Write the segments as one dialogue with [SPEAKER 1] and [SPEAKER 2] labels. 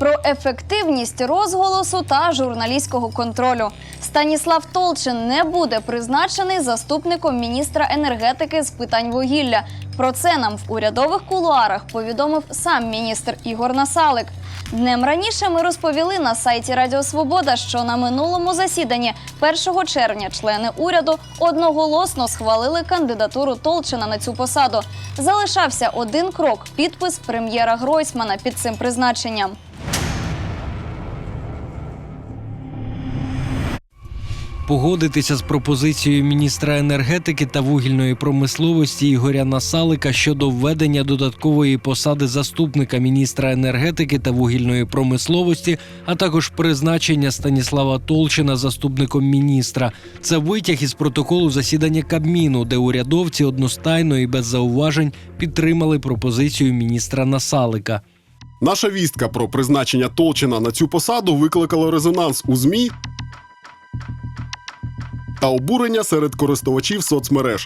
[SPEAKER 1] Про ефективність розголосу та журналістського контролю. Станіслав Толчин не буде призначений заступником міністра енергетики з питань вугілля. Про це нам в урядових кулуарах повідомив сам міністр Ігор Насалик. Днем раніше ми розповіли на сайті Радіо Свобода, що на минулому засіданні 1 червня члени уряду одноголосно схвалили кандидатуру Толчина на цю посаду. Залишався один крок – підпис прем'єра Гройсмана під цим призначенням.
[SPEAKER 2] Погодитися з пропозицією міністра енергетики та вугільної промисловості Ігоря Насалика щодо введення додаткової посади заступника міністра енергетики та вугільної промисловості, а також призначення Станіслава Толчина заступником міністра. Це витяг із протоколу засідання Кабміну, де урядовці одностайно і без зауважень підтримали пропозицію міністра Насалика.
[SPEAKER 3] Наша вістка про призначення Толчина на цю посаду викликала резонанс у ЗМІ та обурення серед користувачів соцмереж.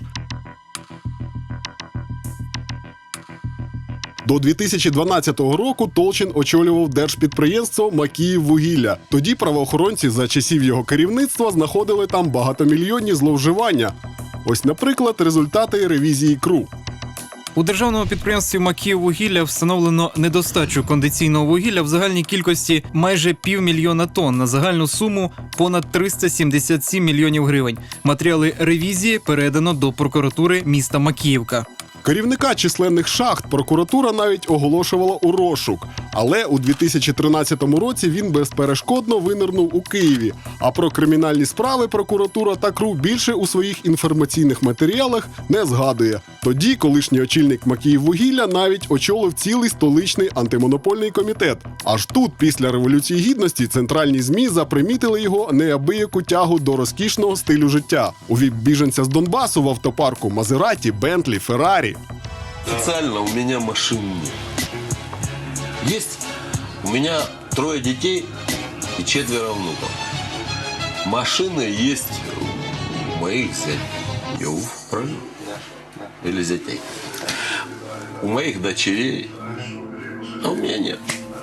[SPEAKER 3] До 2012 року Толчин очолював держпідприємство «Макіїввугілля». Тоді правоохоронці за часів його керівництва знаходили там багатомільйонні зловживання. Ось, наприклад, результати ревізії КРУ.
[SPEAKER 4] У державному підприємстві «Макіїввугілля» встановлено недостачу кондиційного вугілля в загальній кількості майже 500 000 тонн на загальну суму понад 377 мільйонів гривень. Матеріали ревізії передано до прокуратури міста Макіївка.
[SPEAKER 3] Керівника численних шахт прокуратура навіть оголошувала у розшук. Але у 2013 році він безперешкодно винирнув у Києві. А про кримінальні справи прокуратура та КРУ більше у своїх інформаційних матеріалах не згадує. Тоді колишній очільник «Макіїввугілля» навіть очолив цілий столичний антимонопольний комітет. Аж тут, після Революції Гідності, центральні ЗМІ запримітили його неабияку тягу до розкішного стилю життя. У віп-біженця з Донбасу в автопарку Мазераті, Бентлі, Феррарі.
[SPEAKER 5] Официально у меня машин нет. Есть у меня 3 детей и 4 внуков. Машины есть у моих зятей. Правильно? Или зятей. У моих дочерей. А у меня нет.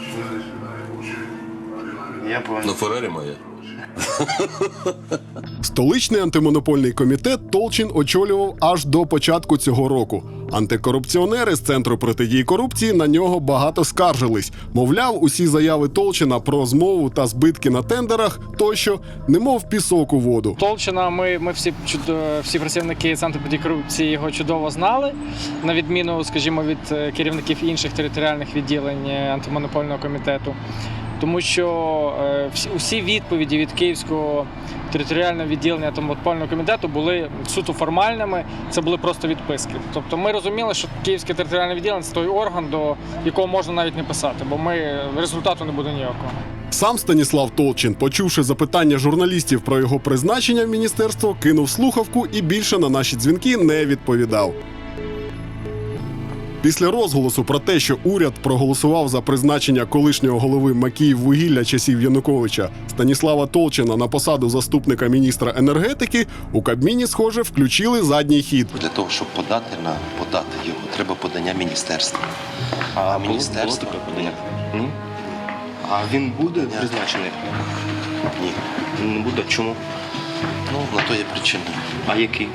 [SPEAKER 6] Я понял.
[SPEAKER 5] Но Феррари моя.
[SPEAKER 3] Столичний антимонопольний комітет Толчин очолював аж до початку цього року. Антикорупціонери з Центру протидії корупції на нього багато скаржились. Мовляв, усі заяви Толчина про змову та збитки на тендерах тощо немов пісок у воду.
[SPEAKER 7] Толчина ми всі працівники Центру протидії корупції його чудово знали, на відміну, скажімо, від керівників інших територіальних відділень антимонопольного комітету. Тому що усі відповіді від Київського територіального відділення антимонопольного комітету були суто формальними, це були просто відписки. Тобто ми розуміли, що Київське територіальне відділення – це той орган, до якого можна навіть не писати, бо результату не буде ніякого.
[SPEAKER 3] Сам Станіслав Толчин, почувши запитання журналістів про його призначення в міністерство, кинув слухавку і більше на наші дзвінки не відповідав. Після розголосу про те, що уряд проголосував за призначення колишнього голови «Макіїввугілля» часів Януковича Станіслава Толчина на посаду заступника міністра енергетики, у Кабміні, схоже, включили задній хід.
[SPEAKER 8] Для того, щоб подати його, треба подання міністерства.
[SPEAKER 6] А
[SPEAKER 8] міністерство
[SPEAKER 6] було таке подання? А він буде призначений?
[SPEAKER 8] Ні.
[SPEAKER 6] Не буде. Чому?
[SPEAKER 8] На то є причина.
[SPEAKER 6] А який?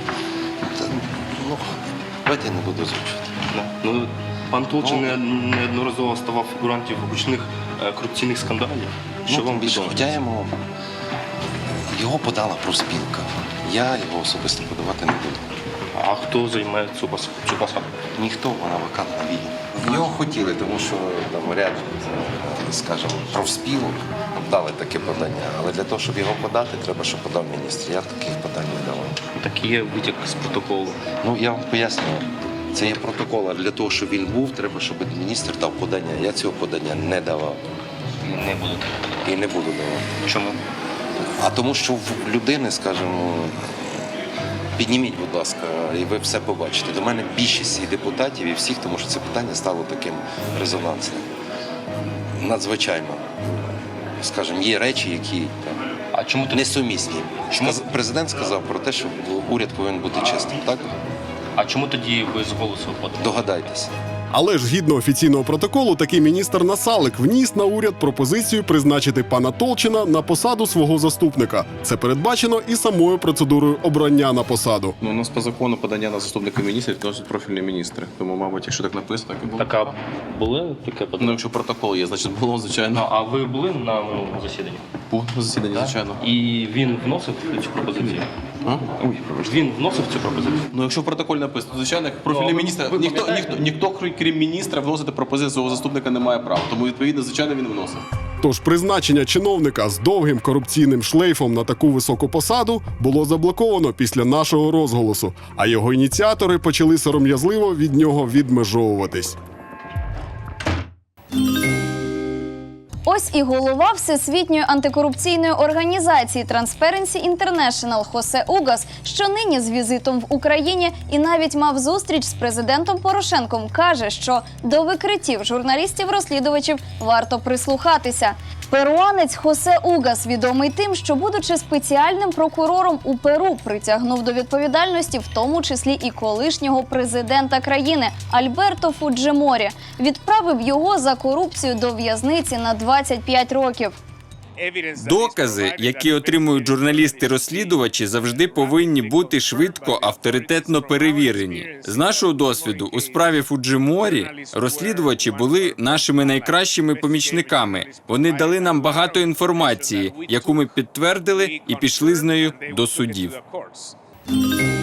[SPEAKER 8] Давайте я не буду озвучувати.
[SPEAKER 6] Пан Толчин неодноразово ставав фігурантів гучних корупційних скандалів. Що вам
[SPEAKER 8] більше,
[SPEAKER 6] відомо?
[SPEAKER 8] хоча його подала профспілка. Я його особисто подавати не буду.
[SPEAKER 6] А хто займе цю посаду?
[SPEAKER 8] Ніхто, вона вакантна вільна. Його хотіли, тому що там ряд, скажімо, профспілок дали таке подання. Але для того, щоб його подати, треба, щоб подав міністр. Я таких подань не давав.
[SPEAKER 6] Так є витяг з протоколу.
[SPEAKER 8] Я вам пояснюю. Це є протокол, а для того, щоб він був, треба, щоб міністр дав подання. Я цього подання не давав.
[SPEAKER 6] Не будете.
[SPEAKER 8] І не буду давати.
[SPEAKER 6] Чому?
[SPEAKER 8] А тому, що в людини, скажімо, підніміть, будь ласка, і ви все побачите. До мене більшість і депутатів, і всіх, тому що це питання стало таким резонансним. Надзвичайно. Скажімо, є речі, які несумісні. Президент сказав про те, що уряд повинен бути чистим, так?
[SPEAKER 6] А чому тоді ви з голосу подали?
[SPEAKER 8] Догадайтеся.
[SPEAKER 3] Але ж згідно офіційного протоколу, такий міністр Насалик вніс на уряд пропозицію призначити пана Толчина на посаду свого заступника. Це передбачено і самою процедурою обрання на посаду.
[SPEAKER 9] Ну, у нас по закону подання на заступника міністрів вносять профільні міністри. Тому, мабуть, якщо так написано, так і було.
[SPEAKER 6] Так, а були таке
[SPEAKER 9] Ну,
[SPEAKER 6] подання?
[SPEAKER 9] якщо протокол є, значить було, звичайно.
[SPEAKER 6] А ви були на минулому засіданні?
[SPEAKER 9] Був на засіданні, звичайно.
[SPEAKER 6] І він вносив цю пропозицію?
[SPEAKER 9] А?
[SPEAKER 6] Він вносив цю пропозицію?
[SPEAKER 9] Ну, якщо в протоколі написано, звичайно, як профільний
[SPEAKER 6] Ну, а
[SPEAKER 9] міністр,
[SPEAKER 6] ви
[SPEAKER 9] ніхто,
[SPEAKER 6] пам'ятаєте?
[SPEAKER 9] ніхто, крім міністра, вносити пропозицію свого заступника не має права. Тому, відповідно, звичайно, він вносив.
[SPEAKER 3] Тож призначення чиновника з довгим корупційним шлейфом на таку високу посаду було заблоковано після нашого розголосу, а його ініціатори почали сором'язливо від нього відмежовуватись.
[SPEAKER 1] Ось і голова Всесвітньої антикорупційної організації Transparency International Хосе Угас, що нині з візитом в Україні і навіть мав зустріч з президентом Порошенком, каже, що до викриттів журналістів-розслідувачів варто прислухатися. Перуанець Хосе Угас відомий тим, що, будучи спеціальним прокурором у Перу, притягнув до відповідальності в тому числі і колишнього президента країни Альберто Фуджиморі. Відправив його за корупцію до в'язниці на 25 років.
[SPEAKER 10] Докази, які отримують журналісти-розслідувачі, завжди повинні бути швидко, авторитетно перевірені. З нашого досвіду у справі Фуджиморі розслідувачі були нашими найкращими помічниками. Вони дали нам багато інформації, яку ми підтвердили і пішли з нею до судів.